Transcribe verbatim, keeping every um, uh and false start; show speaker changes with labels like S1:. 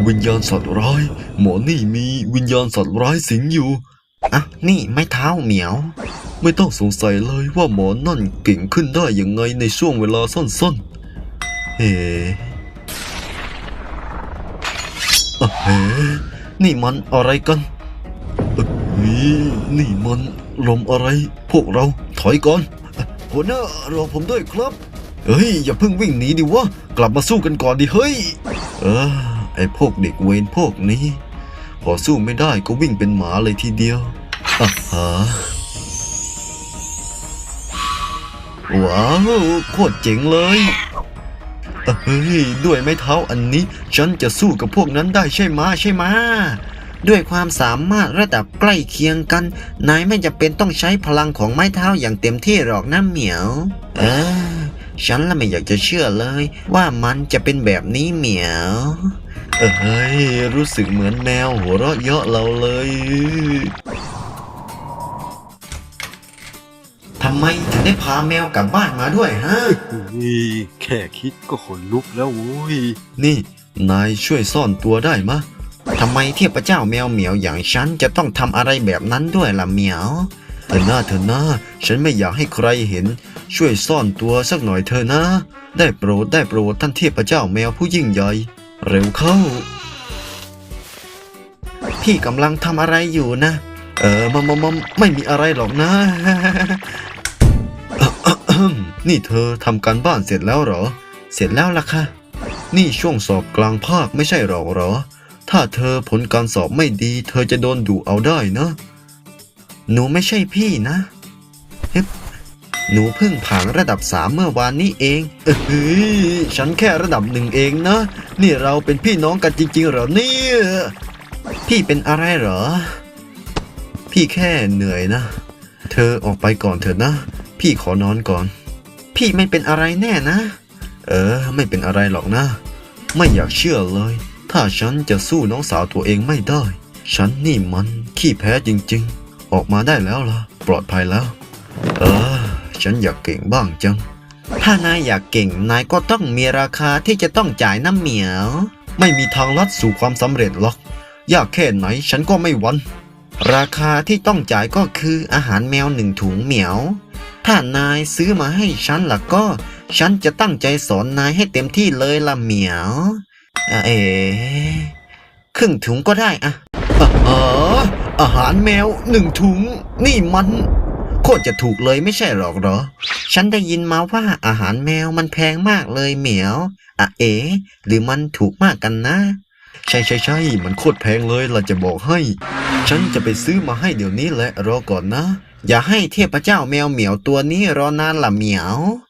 S1: วิญญาณสัตว์ร้ายหมอนี่มีวิญญาณสัตว์ร้ายสิงอยู่อ่ะนี่ไม้เท้าเหมียวไม่ต้องสงสัยเลยว่าหมอนั่นเก่งขึ้นได้ยังไงในช่วงเวลาสั้นๆเฮ้อะเฮ้นี่มันอะไรกันเอ้ยนี่มันลมอะไรพวกเราถอยก่อนหัวหน้ารอผมด้วยครับเฮ้ยอย่าเพิ่งวิ่งหนีดิวะกลับมาสู้กันก่อนดิเฮ้ยเออไอพวกเด็กเวรพวกนี้พอสู้ไม่ได้ก็วิ่งเป็นหมาเลยทีเดียวอ่ะฮะว้าวโคตรเจ๋งเลยเฮ้ยด้วยไม้เท้าอันนี้ฉันจะสู้กับพวกนั้นได้ใช่ไหมใช่ไหมด้วยความสามารถระดับใกล้เคียงกันนายไม่จำเป็นต้องใช้พลังของไม้เท้าอย่างเต็มที่หรอกนะเหมียวเออฉันละไม่อยากจะเชื่อเลยว่ามันจะเป็นแบบนี้เหมียวเอ้ยรู้สึกเหมือนแมวหัวเราะเยาะเราเลยทำไมถึงได้พาแมวกลับบ้านมาด้วยฮะ
S2: นี่แค่คิดก็ขนลุกแล้วโว้ย
S1: นี่นายช่วยซ่อนตัวได้มะทำไมเทพเจ้าแมวเหมียวอย่างฉันจะต้องทำอะไรแบบนั้นด้วยล่ะเหมียวเธอหน้าเธอหน้าฉันไม่อยากให้ใครเห็นช่วยซ่อนตัวสักหน่อยเธอนะได้โปรดได้โปรดท่านเทพเจ้าแมวผู้ยิ่งใหญ่เร็วเข้าพี่กำลังทำอะไรอยู่นะเออมามามามไม่มีอะไรหรอกนะ นี่เธอทำการบ้านเสร็จแล้วเหรอเสร็จแล้วล่ะค่ะนี่ช่วงสอบกลางภาคไม่ใช่หรอเหรอถ้าเธอผลการสอบไม่ดีเธอจะโดนดุเอาได้นะหนูไม่ใช่พี่นะฮึบหนูเพิ่งผ่านระดับสามเมื่อวานนี้เองเอ้ยฉันแค่ระดับหนึ่งเองนะนี่เราเป็นพี่น้องกันจริงๆเหรอเนี่ยพี่เป็นอะไรเหรอพี่แค่เหนื่อยนะเธอออกไปก่อนเถอะนะพี่ขอนอนก่อนพี่ไม่เป็นอะไรแน่นะเออไม่เป็นอะไรหรอกนะไม่อยากเชื่อเลยถ้าฉันจะสู้น้องสาวตัวเองไม่ได้ฉันนี่มันขี้แพ้จริงๆออกมาได้แล้วล่ะปลอดภัยแล้วเออฉันอยากเก่งบ้างจังถ้านายอยากเก่งนายก็ต้องมีราคาที่จะต้องจ่ายน้ำเหมียวไม่มีทางลัดสู่ความสำเร็จหรอกยากแค่ไหนฉันก็ไม่หวั่นราคาที่ต้องจ่ายก็คืออาหารแมวหนึ่งถุงเหมียวถ้านายซื้อมาให้ฉันล่ะก็ฉันจะตั้งใจสอนนายให้เต็มที่เลยล่ะเหมียวเอ๋ครึ่งถุงก็ได้อะอ๋ออาหารแมวหนึ่งถุงนี่มันโคตรจะถูกเลยไม่ใช่หรอกเหรอฉันได้ยินมาว่าอาหารแมวมันแพงมากเลยเหมียวอ่ะเอ๋หรือมันถูกมากกันนะใช่ใช่ใช่มันโคตรแพงเลยล่ะจะบอกให้ฉันจะไปซื้อมาให้เดี๋ยวนี้แหละรอก่อนนะอย่าให้เทพเจ้าแมวเหมียวตัวนี้รอนานล่ะเหมียว